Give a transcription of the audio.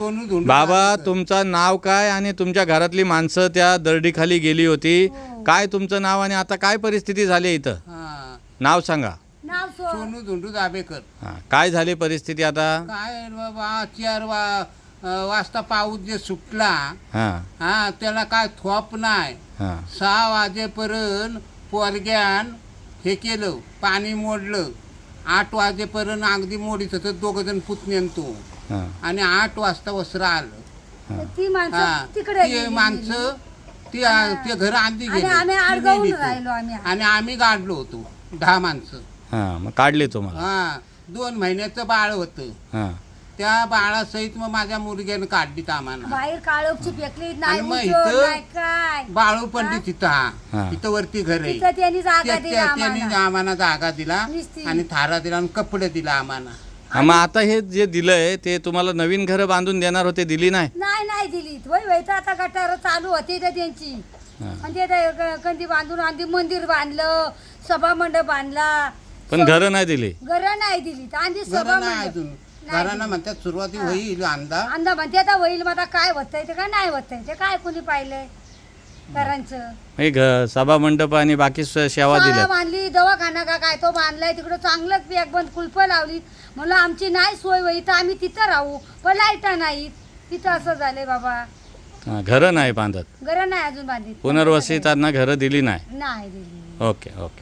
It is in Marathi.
बाबा तुमचं नाव काय आणि तुमच्या घरातली माणसं त्या दरडीखाली गेली होती, काय तुमचं नाव आणि आता काय परिस्थिती झाली इथं? नाव सांगा. सोनू धुंडू दाबेकर. काय झाली परिस्थिती आता? काय बाबा 4 वाजता पाऊस जे सुटला, त्याला काय थोप नाही. 6 वाजेपर्यंत पोरग्यान हे केलं, पाणी मोडलं. 8 वाजेपर्यंत अगदी मोडीत होतं, 2 जण पुतण्यान तो. आणि 8 वाजता वस्त्र आलं. ती माणसं तिकडे ती माणसं ते घर आंधी गेली आणि आम्ही गाडलो होतो 10 माणसं. मग काढले तुम्हाला? 2 महिन्याचं बाळ होतं. त्या बाळासहित मग माझ्या मुलग्यानं काढलीत आम्हाला. बाहेर काळोखची फेकली नाही, आणि मग उचल इथं नाही काय. बाळू पंडित इथं वरती घर आहे. तिथं त्यांनी जागा दिली त्यांनी आम्हाला. आम्हाला जागा दिला निस्ती. आणि थारा दिला आणि कपडे दिला आम्हाला. मग आता हे जे दिलंय ते तुम्हाला नवीन घरं बांधून देणार होते, दिली नाही? नाही दिली. वय तर आता गटार चालू होती तर त्यांची. म्हणजे ते कंदी बांधून आधी मंदिर बांधलं, सभा मंडप बांधला, पण घरं नाही दिली. घरं नाही दिली. आधी घरं सभा नाही मंडप अजून. घरांना म्हणतात सुरुवाती होईल अंदा म्हणते आता होईल. मग आता काय होतंय ते काय नाही होतंय ते काय कोणी पाहिलंय घरांचं. सभा मंडप आणि बाकी सेवा शाळा दिल्या. बांधली, दवाखाना का काय तो बांधलाय तिकडं, चांगलंच पॅक बंद कुलप लावली. म्हणलं आमची नाही सोय होई तर आम्ही तिथं राहू, पण लाईटा नाहीत तिथं. असं झालंय बाबा. घरं नाही बांधत, घरं नाही अजून बांधित. पुनर्वसितांना घरं दिली नाही. नाही दिली. ओके.